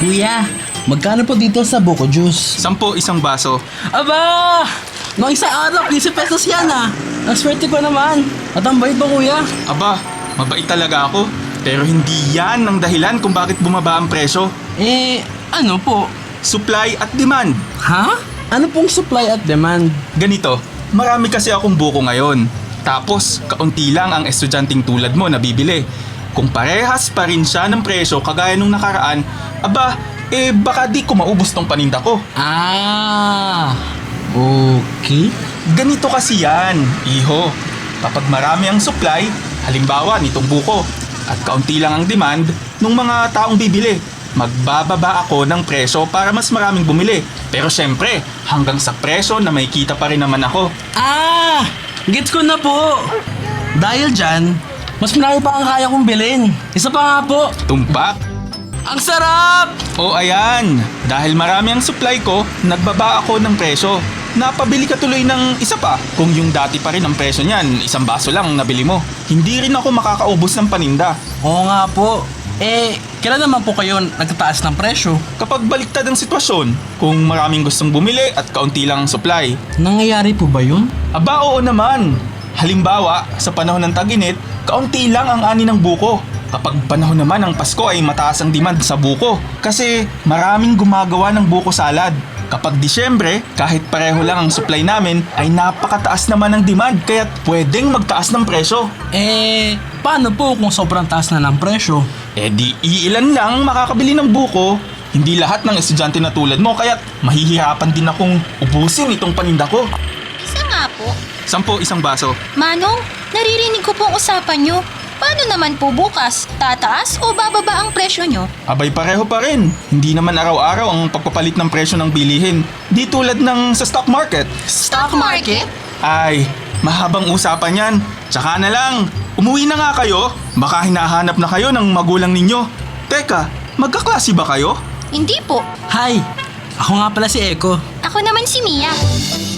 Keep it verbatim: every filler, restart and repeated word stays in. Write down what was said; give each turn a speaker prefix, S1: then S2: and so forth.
S1: Kuya, magkano po dito sa buko juice?
S2: Sampo isang baso.
S1: Aba! Noong isang araw, fifty pesos yan ah. Ang swerte ko naman. At ang bait ba kuya?
S2: Aba, mabait talaga ako. Pero hindi yan ang dahilan kung bakit bumaba ang presyo.
S1: Eh, ano po?
S2: Supply at demand.
S1: Ha? Ano pong supply at demand?
S2: Ganito, marami kasi akong buko ngayon. Tapos, kaunti lang ang estudyanteng tulad mo na bibili. Kung parehas pa rin siya ng presyo kagaya nung nakaraan, aba, eh baka di ko maubos tong paninda ko.
S1: Ah, okay.
S2: Ganito kasi yan, iho. Kapag marami ang supply, halimbawa nitong buko, at kaunti lang ang demand ng mga taong bibili, magbababa ako ng presyo para mas maraming bumili. Pero syempre, hanggang sa presyo na may kita pa rin naman ako.
S1: Ah, gets ko na po. Dahil dyan, mas marami pa ang kaya kong bilhin. Isa pa nga po.
S2: Tumpak?
S1: Ang sarap!
S2: O ayan, dahil marami ang supply ko, nagbaba ako ng presyo. Napabili ka tuloy ng isa pa. Kung yung dati pa rin ang presyo niyan, isang baso lang ang nabili mo. Hindi rin ako makakaubos ng paninda.
S1: Oo nga po. Eh, kailan naman po kayo nagtataas ng presyo?
S2: Kapag baliktad ang sitwasyon, kung maraming gustong bumili at kaunti lang ang supply.
S1: Nangyayari po ba yun?
S2: Aba oo naman. Halimbawa, sa panahon ng tag-init, kaunti lang ang ani ng buko. Kapag panahon naman ng Pasko ay mataas ang demand sa buko kasi maraming gumagawa ng buko salad. Kapag Disyembre, kahit pareho lang ang supply namin ay napakataas naman ang demand kaya't pwedeng magtaas ng presyo.
S1: Eh, paano po kung sobrang taas na ng presyo?
S2: Eh di iilan lang makakabili ng buko. Hindi lahat ng estudyante na tulad mo kaya't mahihirapan din akong ubusin itong paninda ko.
S3: Isa nga po.
S2: Sampo isang baso.
S3: Manong, naririnig ko po ang usapan nyo. Paano naman po bukas? Tataas o bababa ang presyo nyo?
S2: Abay pareho pa rin. Hindi naman araw-araw ang pagpapalit ng presyo ng bilihin. Di tulad ng sa stock market.
S1: Stock market?
S2: Ay, mahabang usapan yan. Tsaka na lang, umuwi na nga kayo. Baka hinahanap na kayo ng magulang ninyo. Teka, magkaklase ba kayo?
S3: Hindi po.
S1: Hi, ako nga pala si Eko.
S3: Ako naman si Mia.